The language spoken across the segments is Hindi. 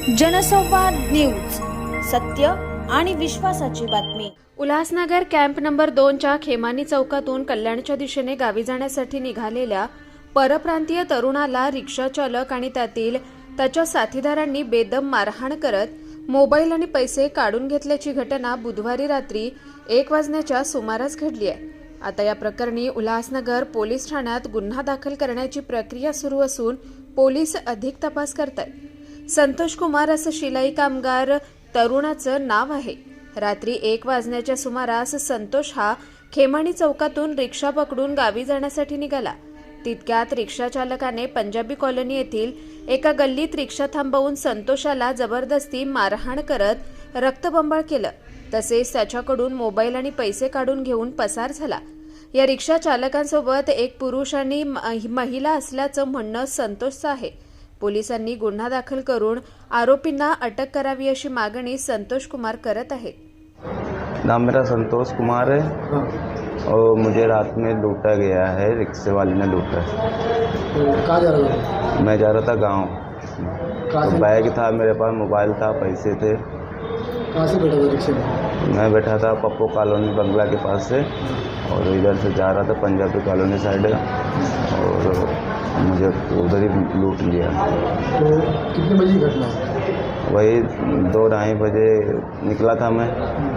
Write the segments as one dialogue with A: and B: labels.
A: जनसंवाद न्यूज, सत्य आणि विश्वासाची बातमी।
B: उल्हासनगर कॅम्प नंबर 2च्या खेमानी चौकातून कल्याणच्या दिशेने गावी जाण्यासाठी निघालेल्या परप्रांतीय तरुणाला रिक्षा चालक आणि त्याच्या साथीदारांनी बेदम मारहाण करत मोबाईल आणि पैसे काढून घेतल्याची घटना बुधवारी रात्री 1 वाजण्याच्या सुमारास घडली आहे। आता या प्रकरणी उल्हासनगर पोलीस ठाण्यात गुन्हा दाखल करण्याची प्रक्रिया सुरू असून पोलीस अधिक तपास करतायत। संतोष कुमार असं शिलाई कामगार तरुणाचं नाव आहे। रात्री 1 वाजण्याच्या सुमारास संतोष हा खेमानी चौकातून रिक्षा पकडून गावी जाण्यासाठी निघाला। तितक्यात रिक्षा चालकाने पंजाबी कॉलनी येथील एका गल्लीत रिक्षा थांबवून संतोषाला जबरदस्ती मारहाण करत रक्तबंबाळ केलं, तसेच त्याच्याकडून मोबाईल आणि पैसे काढून घेऊन पसार झाला। या रिक्षा चालकांसोबत एक पुरुष आणि महिला असल्याचं म्हणणं संतोषचं आहे। पोलिसांनी गुन्हा दाखल करून आरोपींना अटक करावी अशी मागणी संतोष कुमार करत आहेत।
C: नाम मेरा संतोष कुमार है और मुझे रात में लूटा गया है, रिक्शे वाले ने लूटा।
D: तो कहाँ जा रहा था?
C: मैं जा रहा था गांव, तो बैग था मेरे पास, मोबाइल था, पैसे थे।
D: कहाँ से बैठा था रिक्शे में?
C: मैं बैठा था पप्पू कॉलोनी बंगला के पास से और इधर से जा रहा था पंजाबी कॉलोनी साइड और मुझे उधर ही लूट लिया।
D: तो कितने बजे की घटना है?
C: वही 2-2:30 बजे निकला था मैं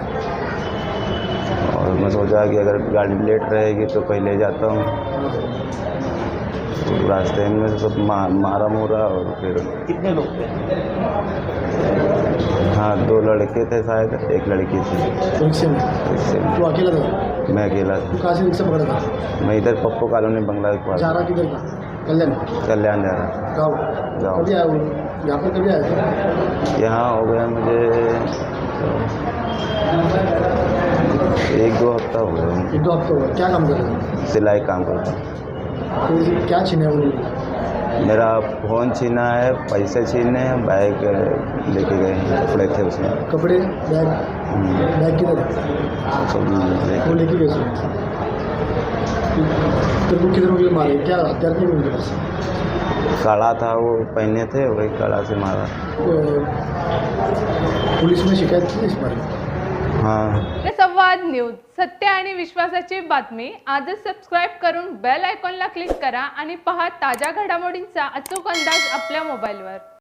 C: और मैं सोचा कि अगर गाड़ी लेट रहेगी तो पहले जाता हूँ। तो रास्ते में सब मारा मोरा और फिर
D: कितने लोग थे
C: हाँ 2 लड़के थे शायद, 1 लड़की थी
D: रिक्शे में?
C: रिक्शे में।
D: तो अकेला था?
C: मैं अकेला
D: तो
C: था।
D: कहाँ से रिक्शा पकड़ा था?
C: मैं इधर पप्पू कॉलोनी बंगला के पास
D: जा रहा किधर था? कल्याण?
C: कल्याण जा रहा।
D: गाँव?
C: गाँव।
D: कभी आया वो? यहाँ पर कभी आया था?
C: यहाँ हो गया मुझे 1-2 हफ्ता हो गया।
D: 1-2 हफ्ते हुआ। क्या काम कर रहे थे?
C: सिलाई काम करता हूँ।
D: तो ये क्या छीने उन्होंने?
C: मेरा फ़ोन छीना है, पैसे छीने हैं, बैग लेके गए हैं, कपड़े थे उसमें।
D: कपड़े, बैग? बैग किधर है?
C: सब
D: वो लेके गए सो। तेरे को किधर उंगली मारे? क्या हथियार नहीं उनके पास?
C: कड़ा था वो पहने थे, वही कड़ा से मारा।
D: पुलिस में शिकायत की इस बारे?
C: हाँ।
E: संवाद न्यूज, सत्य आणि विश्वासाची बातमी। आजच सबस्क्राईब करून बेल आयकॉनला क्लिक करा आणि पहा ताज्या घडामोडींचा अचूक अंदाज आपल्या मोबाईलवर।